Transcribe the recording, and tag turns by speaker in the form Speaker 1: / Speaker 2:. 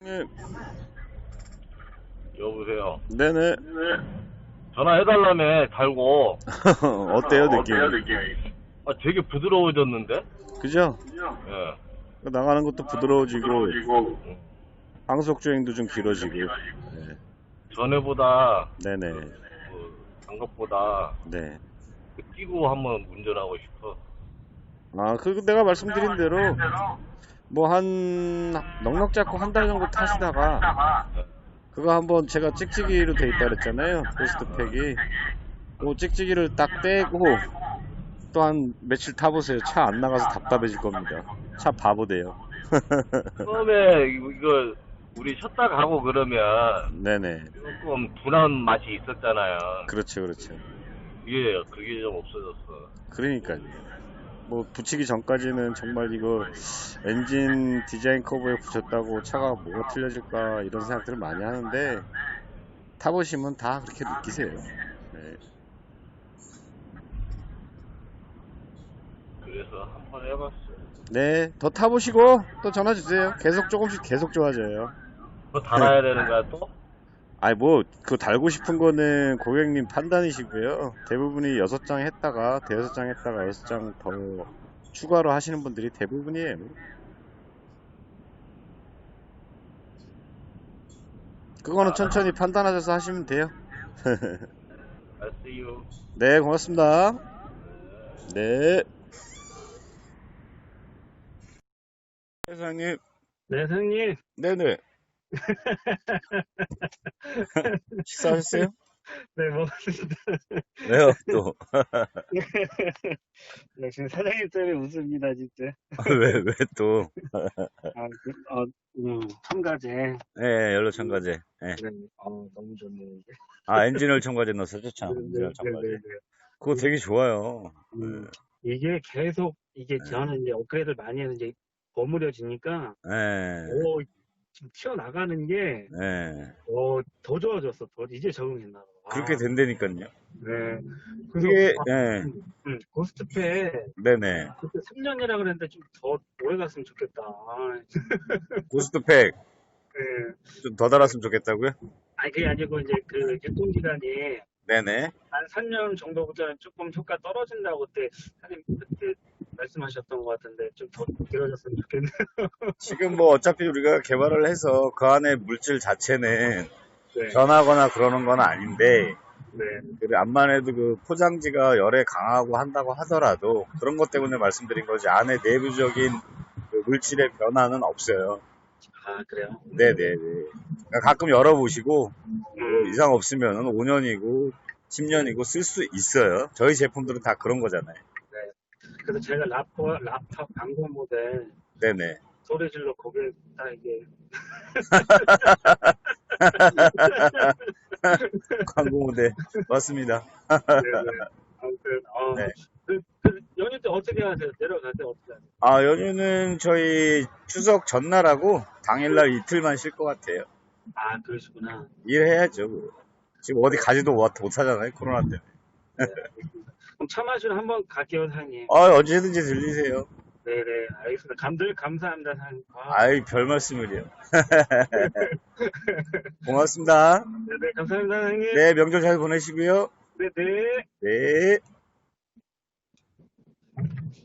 Speaker 1: 예,
Speaker 2: 여보세요.
Speaker 1: 네네.
Speaker 2: 전화해달라며 달고.
Speaker 1: 어때요,
Speaker 3: 어때요,
Speaker 1: 느낌이?
Speaker 3: 느낌이?
Speaker 2: 되게 부드러워졌는데?
Speaker 1: 그죠?
Speaker 2: 예.
Speaker 1: 나가는 것도 부드러워지고,
Speaker 3: 부드러워지고,
Speaker 2: 음.
Speaker 1: 항속 주행도 좀 길어지고.
Speaker 3: 길어지고.
Speaker 1: 네.
Speaker 2: 전에보다
Speaker 1: 네네.
Speaker 2: 장갑보다
Speaker 1: 네.
Speaker 2: 끼고 한번 운전하고 싶어.
Speaker 1: 그리고 내가 말씀드린 대로,
Speaker 3: 대로
Speaker 1: 뭐 넉넉 잡고 한 달 정도 타시다가,
Speaker 3: 타다가
Speaker 2: 예.
Speaker 1: 그거 한번 제가 찍찍이로 돼 있다 그랬잖아요. 고스트팩이. 그 찍찍이를 딱 떼고, 또 한 며칠 타보세요. 차 안 나가서 답답해질 겁니다. 차 바보 돼요.
Speaker 2: 처음에 이거 우리 쉬었다 가고 그러면
Speaker 1: 네네.
Speaker 2: 조금 둔한 맛이 있었잖아요.
Speaker 1: 그렇죠, 그렇죠.
Speaker 2: 그게 좀 없어졌어.
Speaker 1: 그러니까요. 뭐 붙이기 전까지는 정말 이거 엔진 디자인 커브에 붙였다고 차가 뭐가 틀려질까 이런 생각들을 많이 하는데 타보시면 다 그렇게 느끼세요. 네.
Speaker 2: 그래서 한번 해봤어.
Speaker 1: 네, 더 타보시고 또 전화 주세요. 계속 조금씩 계속 좋아져요.
Speaker 2: 그거 달아야 되는 거야 또?
Speaker 1: 아니 뭐 그 달고 싶은 거는 고객님 판단이시고요. 대부분이 6장 했다가 대여섯 장 했다가 6장 더 추가로 하시는 분들이 대부분이에요. 그거는 천천히 판단하셔서 하시면 돼요.
Speaker 2: I see you.
Speaker 1: 네, 고맙습니다. 네. 회장님,
Speaker 4: 네, 선생님.
Speaker 1: 네네. 식사하셨어요?
Speaker 4: 네, 먹었습니다.
Speaker 1: 왜요, 또?
Speaker 4: 역시 사장님 때문에 웃습니다, 진짜.
Speaker 1: 왜 또?
Speaker 4: 첨가제.
Speaker 1: 네, 연료 첨가제. 네.
Speaker 4: 네, 너무 좋네요, 이게.
Speaker 1: 엔진오일 첨가제 넣었었죠, 참.
Speaker 4: 네,
Speaker 1: 엔진오일
Speaker 4: 네, 네,
Speaker 1: 첨가제.
Speaker 4: 네.
Speaker 1: 그거 되게 좋아요.
Speaker 4: 음, 이게 계속,
Speaker 1: 네.
Speaker 4: 저는 이제 업그레이드를 많이 해서 이제 버무려지니까,
Speaker 1: 네.
Speaker 4: 지금 튀어나가는 게,
Speaker 1: 네.
Speaker 4: 더 좋아졌어. 이제 적응했나 봐.
Speaker 1: 그렇게 된다니까요.
Speaker 4: 네.
Speaker 1: 그게,
Speaker 4: 그래서,
Speaker 1: 네.
Speaker 4: 고스트페,
Speaker 1: 네네.
Speaker 4: 그때 3년이라 그랬는데 좀 더 오래 갔으면 좋겠다.
Speaker 1: 고스트팩
Speaker 4: 네.
Speaker 1: 좀 더 달았으면 좋겠다고요?
Speaker 4: 아니, 그게 아니고, 이제 그 유통기간이
Speaker 1: 네네.
Speaker 4: 한 3년 정도부터 조금 효과 떨어진다고 그때, 사장님 그때 말씀하셨던 것 같은데, 좀 더 길어졌으면 좋겠네요.
Speaker 1: 지금 뭐 어차피 우리가 개발을 해서 그 안에 물질 자체는
Speaker 4: 네.
Speaker 1: 변하거나 그러는 건 아닌데,
Speaker 4: 네.
Speaker 1: 암만 해도 그 포장지가 열에 강하고 한다고 하더라도 그런 것 때문에 말씀드린 거지 안에 내부적인 그 물질의 변화는 없어요.
Speaker 4: 아, 그래요?
Speaker 1: 네네네. 그러니까 가끔 열어보시고 뭐 이상 없으면 5년이고 10년이고 쓸 수 있어요. 저희 제품들은 다 그런 거잖아요.
Speaker 4: 네. 그래서 제가 laptop 광고 모델
Speaker 1: 네네.
Speaker 4: 소리 질러 거기에 딱 이게,
Speaker 1: 광고 모델 맞습니다.
Speaker 4: 네네. 아무튼,
Speaker 1: 네.
Speaker 4: 연휴 때 어떻게 하세요? 내려갈 때 어떻게 하세요?
Speaker 1: 연휴는 저희 추석 전날하고 당일날 이틀만 쉴 것 같아요.
Speaker 4: 아, 그러시구나.
Speaker 1: 일해야죠. 지금 어디 가지도 못하잖아요. 코로나 때문에.
Speaker 4: 네, 알겠습니다. 그럼 차 마시러 한번 갈게요, 사장님.
Speaker 1: 언제든지 들리세요.
Speaker 4: 네네, 알겠습니다. 감사합니다, 사장님.
Speaker 1: 별 말씀을요. 고맙습니다.
Speaker 4: 네네, 감사합니다, 사장님.
Speaker 1: 네, 명절 잘 보내시고요.
Speaker 4: 네네.
Speaker 1: 네.